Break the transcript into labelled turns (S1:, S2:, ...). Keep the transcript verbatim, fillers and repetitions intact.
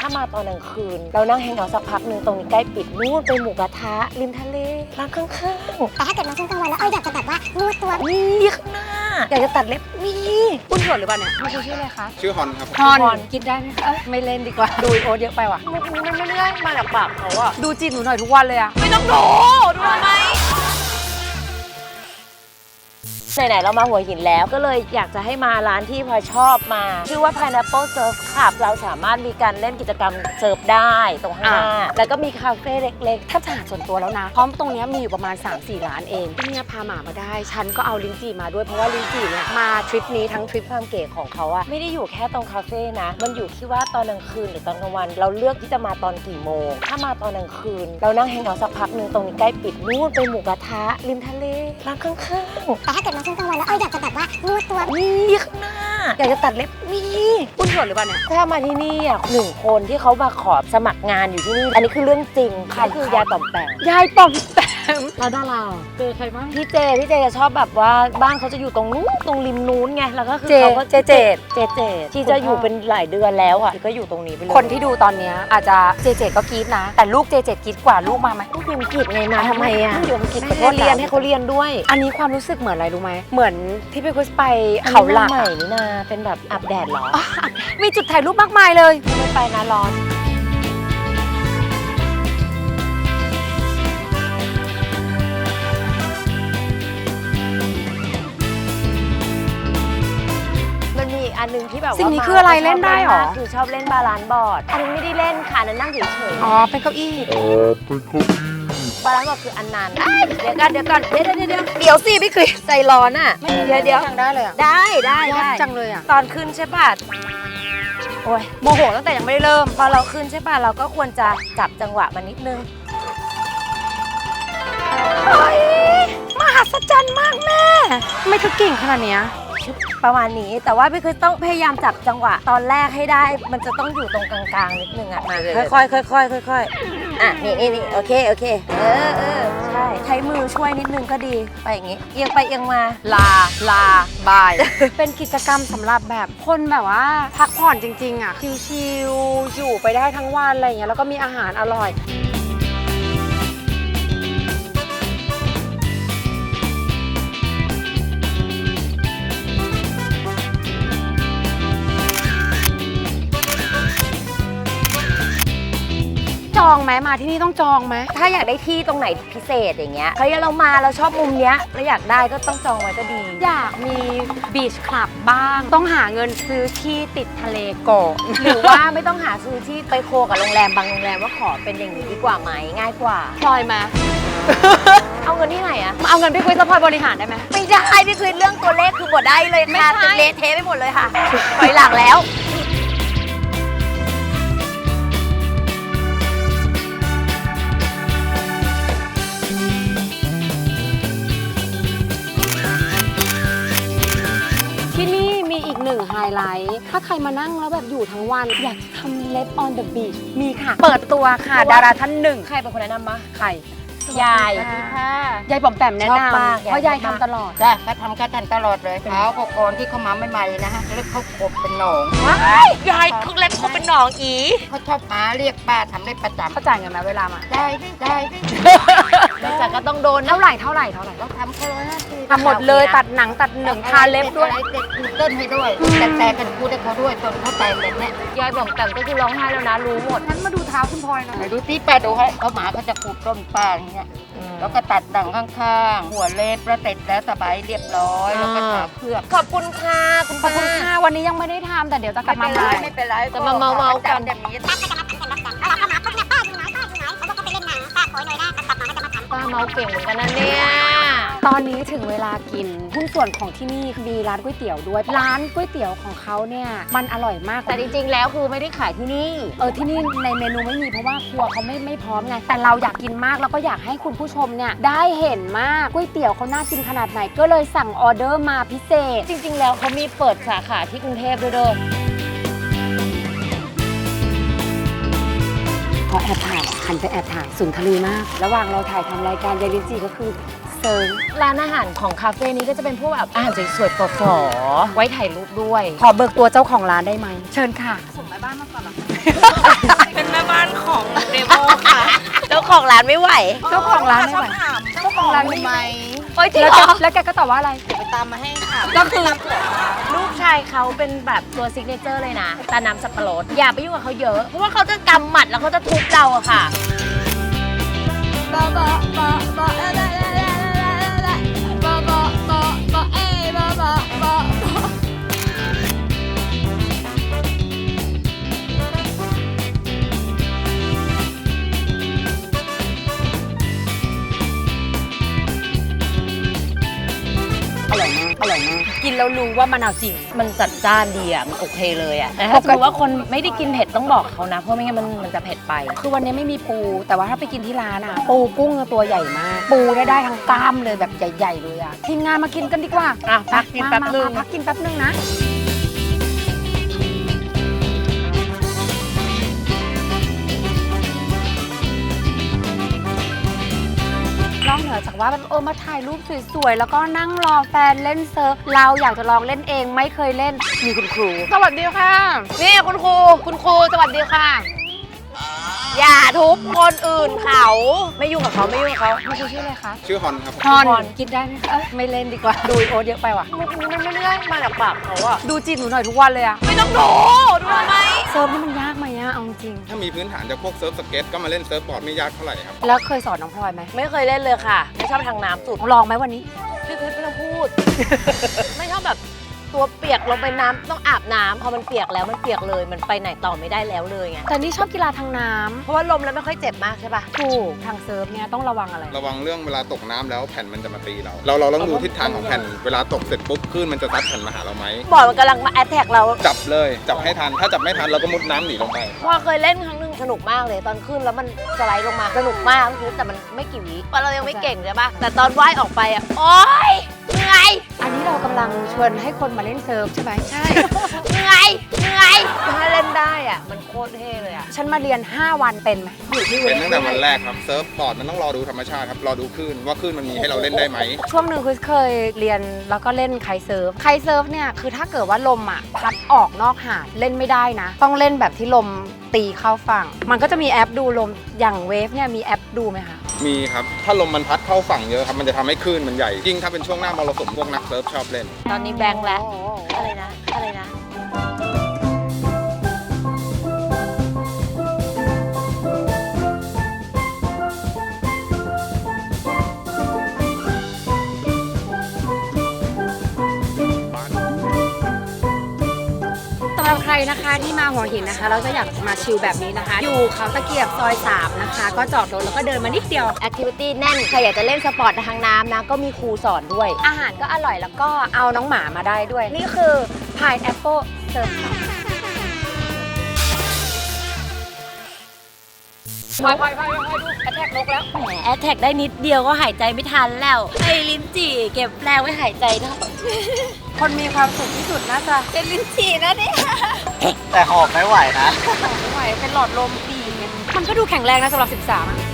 S1: ถ้ามาตอนกลางคืนเรานั่งแฮงเอาท์สักพักหนึ่งตรงนี้ใกล้ปิดนู่นไปหมูกระทะริมทะเลร้านข้างๆ
S2: แต่ถ้าเกิดมาช่วงกลางวันแล้วเอออยากจะแบบว่านวดตัว
S1: มีข้างหน้าอยากจะตัดเล็บมีคุณสวนหรือเปล่าเนี่ยคุณชื่ออะไรคะ
S3: ชื่อฮอนครับ
S1: ฮอนกินได้ไหมคะไม่เล่นดีกว่าดูโอ๊ตเยอะไปว่ะมันมันไม่ได้มาจากปากเขาอะดูจีนหนูหน่อยทุกวันเลยอะไม่ต้องดูดูทำไมไหนๆเรามาหัวหินแล้วก็เลยอยากจะให้มาร้านที่พลอยชอบมาชื่อว่า Pineapple Surf Club เราสามารถมีการเล่นกิจกรรมเซิร์ฟได้ตรงข้างหน้าแล้วก็มีคาเฟ่เล็กๆถ้าจะหาส่วนตัวแล้วนะพร้อมตรงนี้มีอยู่ประมาณ สามสี่ ร้านเองที่เนี่ยพาหมามาได้ฉันก็เอาลิ้นจี่มาด้วยเพราะว่าลิ้นจี่เนี่ยมาทริปนี้ทั้งทริปความเก๋ของเขาอะไม่ได้อยู่แค่ตรงคาเฟ่นะมันอยู่ที่ว่าตอนกลางคืนหรือตอนกลางวันเราเลือกที่จะมาตอนกี่โมงถ้ามาตอนกลางคืนเรานั่งแฮงเอาท์สักพักหนึ่งตรงนี้ใกล้ปิดนู่นไปหมูกระทะริมทะเลร้านข้างๆ
S2: แต่ถ้าเกิดมาช่วงกลางวันแล้วเอออยากจะแบบว่านวดตัว
S1: มีข้างหน้าอยากจะตัดเล็บมีคุณสวนหรือเปล่าเนี่ยถ้ามาที่นี่อ่ะหนึ่งคนที่เขามาขอสมัครงานอยู่ที่นี่อันนี้คือเรื่องจริงใครคือยายต่อมแปมยายต่อมแปมแล้วดาราเจอใครบ้างพี่เจพี่เจจะชอบแบบว่าบ้านเขาจะอยู่ตรงนู้นตรงริมนู้นไงแล้วก็คือเขาก็เจเจเจเจที่จะอยู่เป็นหลายเดือนแล้วอ่ะก็อยู่ตรงนี้ไปเลยคนที่ดูตอนนี้อาจจะเจเจก็กรี๊ดนะแต่ลูกเจเจกรี๊ดกว่าลูกมาไหมลูกพิมกรี๊ดไงมาทำไมอ่ะอยู่อังกฤษเขาเรียนให้เขาเรียนด้วยอันนี้ความรู้สึกเหมือนอะไรรู้ไหมเหมือนที่พี่คุสไปเขาหลักใหม่นี่นาเป็นแบบอาบแดดหรอมีจุดถ่ายรูปมากมายเลยไม่ไปนะร้อนมันมีอันนึงที่แบบว่าสิ่งนี้คืออะไรเล่นได้หรอคือชอบเล่นบาลานซ์บอร์ดอันนี้ไม่ได้เล่นค่ะนั่งเฉยๆอ๋อเป็นเก้าอี้อ๋อเป็นเก้าอี้บาลานซ์บอร์ดคืออันนั้นเดี๋ยวกันเดี๋ยวก่อนเดี๋ยวเดี๋ยวเดี๋ยวเดี๋ยวสิพี่คือใจร้อนอ่ะเดี๋ยวเดี๋ยวได้เลยอ่ะได้ได้ได้จังเลยอ่ะตอนขึ้นใช่ป่ะโอ้ยโมโหตั้งแต่ยังไม่ได้เริ่มพอเราขึ้นใช่ป่ะเราก็ควรจะจับจังหวะมันนิดนึงเฮ้ยมหัศจรรย์มากแม่ไม่คือเก่งขนาดเนี้ยประมาณนี้แต่ว่าพี่คือต้องพยายามจับจังหวะตอนแรกให้ได้มันจะต้องอยู่ตรงกลางๆนิดนึงอ่ะค่อยๆค่อยๆค่อยๆอ่ะนี่นี่นี่โอเคโอเคเออเออใช่ใช้มือช่วยนิดนึงก็ดีไปอย่างงี้เอียงไปเอียงมาลาลาบาย เป็นกิจกรรมสำหรับแบบคนแบบว่าพักผ่อนจริงๆอ่ะชิลๆอยู่ไปได้ทั้งวันอะไรอย่างเงี้ยแล้วก็มีอาหารอร่อยจองไหมมาที่นี่ต้องจองไหมถ้าอยากได้ที่ตรงไหนพิเศษอย่างเงี้ยเฮ้ยเรามาเราชอบมุมเนี้ยแล้วอยากได้ก็ต้องจองไว้ก็ดีอยากมีบีชคลับบ้างต้องหาเงินซื้อที่ติดทะเลก่อนหรือว่าไม่ต้องหาซื้อที่ไปโคกับโรงแรมบางโรงแรมว่าขอเป็นอย่างนี้ดีกว่าไหมง่ายกว่าพลอยมา เอาเงินที่ไหนอะเอาเงินพี่คุยแล้วพลอยบริหารได้ไหมไม่ได้พี่คุยเรื่องตัวเลขคือหมดได้เลยค่ะจะเละเทะไปหมดเลยค่ะถอยหลังแล้วที่นี่มีอีกหนึ่งไฮไลท์ถ้าใครมานั่งแล้วแบบอยู่ทั้งวันอยากทำเล็บ on the beach มีค่ะ เปิดตัวค่ะดาราท่านหนึ่งใครเป็นคนแนะนำมะใครยายยายป๋อมแปมแนะนำเพราะยายทำตลอด
S4: จ้ะเขาทำกันทันตลอดเลยเท้าเขาก่อนที่เขามาใหม่ๆนะฮะเล็บเขาขบเป็นหนอง
S1: ยายคือเล็บเขาเป็นหนองอี
S4: เขาชอบหาเรียกป้าทำเล็บประจำ
S1: เขาจ่ายเงินไหมเวลามา
S4: ได้ดิได้ดิ
S1: แต่ก็ต้องโดนเท่าไหร่เท่าไหร่เท่าไหร่
S4: เราทำเขาเลยนะ
S1: ทำหมดเลยตัดหนังตัดหนึ่งทาเล็บด้วย
S4: เด็กเต้นให้ด้วยแต่แต่กันพูดให้เขาด้วยจนเขาแต่งแบบนี้
S1: ยายป๋อมแปมก็คือร้องไห้แล้วนะรู้หมด
S4: ฉันมาดูเท้าคุณพลอยหน่อยดูที่ป้าดูให้เขาหมาเขาจะขูดต้นป้าอย่างเงี้ยแล้วก็ตัดดังข้างๆหัวเล็บแล้วเสร็จแล้วสบายเรียบร้อยแล้วก็ทาเพื่อ
S1: ขอบคุณค่ะขอบคุณค่ะวันนี้ยังไม่ได้ทำแต่เดี๋ยวจะกลับมาใหม่
S4: ไม่เป็นไร
S1: จะมาเมาเมากัน
S2: แบบนี้ป้าก็จะมาทำเป็นแบบนั้นเอาเข้ามาปุ๊บเนี่ยป้าอยู่ไหนป้าอยู่ไหนเขาก็ไปเล่นน้ำป้าขอหน่อยนะกลับมาก็จะมาทำ
S1: ป้าเมาเก่งเหมือนกันนะเนี่ยตอนนี้ถึงเวลากินหุ้นส่วนของที่นี่มีร้านก๋วยเตี๋ยวด้วยร้านก๋วยเตี๋ยวของเขาเนี่ยมันอร่อยมากแต่จริงๆแล้วคือไม่ได้ขายที่นี่เออที่นี่ในเมนูไม่มีเพราะว่าครัวเขาไม่ไม่พร้อมไงแต่เราอยากกินมากแล้วก็อยากให้คุณผู้ชมเนี่ยได้เห็นมากก๋วยเตี๋ยวเขาน่ากินขนาดไหนก็เลยสั่งออเดอร์มาพิเศษจริงๆแล้วเขามีเปิดสาขาที่กรุงเทพด้วยเด้อพอแอบถ่ายหันไปแอบถ่ายสุนทรีมากระหว่างเราถ่ายทำรายการยายลิ้นจี่ก็คือ
S3: เซิง
S1: ร้านอาหารของคาเฟ่นี้ก็จะเป็นพวกแบบอาหารสวยๆฝอๆไว้ถ่ายรูปด้วย
S3: ขอเบิกตัวเจ้าของร้านได้ไหมเชิญค่ะ
S5: เป็นแม่บ้านของเดโมค่ะ
S1: เจ้าของร้านไม่ไหว
S3: เจ้าของร้านไม่ไหว
S5: เจ้าของร้านไหม
S1: โอ๊ยจริง
S3: แล้ว
S1: เหร
S3: แก
S1: อ
S3: แล้วแกก็ตอบว่าอะไร
S5: เดี๋ยวไปตามมาให้ค่ะ
S3: ก็คือ
S1: ลูกชายเขาเป็นแบบตัวซิกเนเจอร์เลยนะตาน้ำสับปะรดอย่าไปยุ่งกับเขาเยอะ เพราะว่าเขาจะกำหมัดแล้วเขาจะทุบเราอะค่ะ
S3: อร่อยมากอร่อยมากกินแล้วรู้ว่ามะนาวจริง
S1: มันจัดจ้านดีอะมันโอเคเลยอะแต่ถ้าสมมติว่าคนไม่ได้กินเผ็ดต้องบอกเขานะ เพราะไม่งั้นมันมันจะเผ็ดไป
S3: คือวันนี้ไม่มีปู แต่ว่าถ้าไปกินที่ร้านอ่ะ ปูกุ้งตัวใหญ่มาก ปูได้ได้ทั้งกล้ามเลยแบบใหญ่ๆเลยอ่ะ ทีมงานมากินกันดีกว่า
S1: อ่ะพักกิน
S3: มา
S1: แป๊บ
S3: มา
S1: นึง
S3: มาพักกินแป๊บนึงนะ นอกเหนือจากว่าแบบเออมาถ่ายรูปสวยๆ แล้วก็นั่งรอแฟนเล่นเซิร์ฟ เราอยากจะลองเล่นเองไม่เคยเล่น มีคุณครู สวัสดีค่ะ
S1: นี่คุณครูคุณครูสวัสดีค่ะ อย่าทุบคนอื่นเขาไม่ยุ่งกับเขาไม่ยุ่งกับเขา
S3: คุณครูชื่ออะไรคะ
S6: ชื่อฮอนครับ
S3: ฮอนคิดได้ไหมคะเอ้ยไม่เล่นดีกว่า ดูโอตเยอะไปว่ะ
S1: มุกนี้มันไม่ได้มาจากปากเขาอะ
S3: ดูจีบหนูหน่อยทุกวันเลยอะ
S1: ไม่ต้องดูดูทำไม
S3: เซิร์ฟนี่มันยากไหมอะเอาจริง
S6: ถ้ามีพื้นฐานจากพวกเซิร์ฟสเก็ตก็มาเล่นเซิร์ฟบอร์ดไม่ยากเท่าไหร่ครับ
S3: แล้วเคยสอนน้องพลอยไหม
S1: ไม่เคยเล่นเลยค่ะ ไม่ชอบทางน้ำสุด
S3: ลองไหมวันนี้
S1: พี่เพชรไม่ต้องพูด ไม่ชอบแบบตัวเปียกลงไปน้ำต้องอาบน้ำพอมันเปียกแล้วมันเปียกเลย มันไปไหนต่อไม่ได้แล้วเลยไง
S3: แต่นี่ชอบกีฬาทางน้ำ
S1: เพราะว่าลมแล้วไม่ค่อยเจ็บมากใช่ปะ
S3: ถูกทางเซิร์ฟเนี่ยต้องระวังอะไร
S6: ระวังเรื่องเวลาตกน้ำแล้วแผ่นมันจะมาตีเรา เราเราต้องดูทิศทางของแผ่น เวลาตกเสร็จปุ๊บคลื่นมันจะซัดแผ่นมาหาเราไหม
S1: บอร์ดมันกำลังมาแอตแทกเรา
S6: จับเลย จับให้ทัน ถ้าจับไม่ทันเราก็มุดน้ำหนีลงไป
S1: พอเคยเล่นครั้งหนึงสนุกมากเลย ตอนขึ้นแล้วมันสไลด์ลงมาสนุกมากคือแต่มันไม่กี่วิเพราะเรายังไม่เก่งใช่ปะแต่ตอนว่ายออกไปอ่ะโอ๊ยเหนื่อย
S3: อันนี้เรากำลังชวนให้คนมาเล่นเซิร์ฟใช่ไหมใช่
S1: เหนื่อยเหนื่อยถ้าเล่นได้อ่ะมันโคตรเท่เลยอ่ะ
S3: ฉันมาเรียน ห้า วันเป็นไหมอยู่ที่
S6: เป็นตั้งแต่วันแรกครับ เซิร์ฟบอร์ดมันต้องรอดูธรรมชาติครับ รอดูคลื่นว่าคลื่นมันมีให้เราเล่นได้ไหม
S3: ช่วงหนึ่งคือเคยเรียนแล้วก็เล่นไคเซิร์ฟไคเซิร์ฟเนี่ยคือถ้าเกิดว่าลมอ่ะพัดออกนอกหาดเล่นไม่ได้นะ ต้องเล่นแบบที่ลมตีเข้าฝั่ง มันก็จะมีแอปดูลมอย่างเวฟเนี่ยมีแอปดูไหมคะ
S6: มีครับ ถ้าลมมันพัดเข้าฝั่งเยอะครับ มันจะทำให้คลื่นมันใหญ่ ยิ่งถ้าเป็นช่วงหน้ามรสุมพวกนักเซิร์ฟชอบเล่น
S1: ตอนนี้แบงค์แล้ว อะไรนะ อะไรนะ
S3: สำหรับใครนะคะที่มาหัวหินนะคะเราจะอยากมาชิลแบบนี้นะคะ อยู่เขาตะเกียบซอยสามนะคะ ก็จอดรถแล้วก็เดินมานิดเดียว
S1: แอคทิวิตี้แน่น ใครอยากจะเล่นสปอร์ตทางน้ำนะ ก็มีครูสอนด้วย
S3: อาหารก็อร่อยแล้วก็เอาน้องหมามาได้ด้วย นี่คือ Pineapple Surf ไปไปไปไปดูแอทแทกนกแล้ว
S1: แหมแอตแทกได้นิดเดียวก็หายใจไม่ทันแล้ว ไอ้ลิ้นจี่เก็บแรงไว้หายใจเถอะ
S3: คนมีความสุขที่สุดน่าจะ
S1: เป็นลิ้นจี่นะเนี่ย
S7: แต่หอบไม่ไหวนะ
S3: ไม่ไหวเป็นหลอดลมปีมันก็ดูแข็งแรงนะสำหรับสิบสามอะ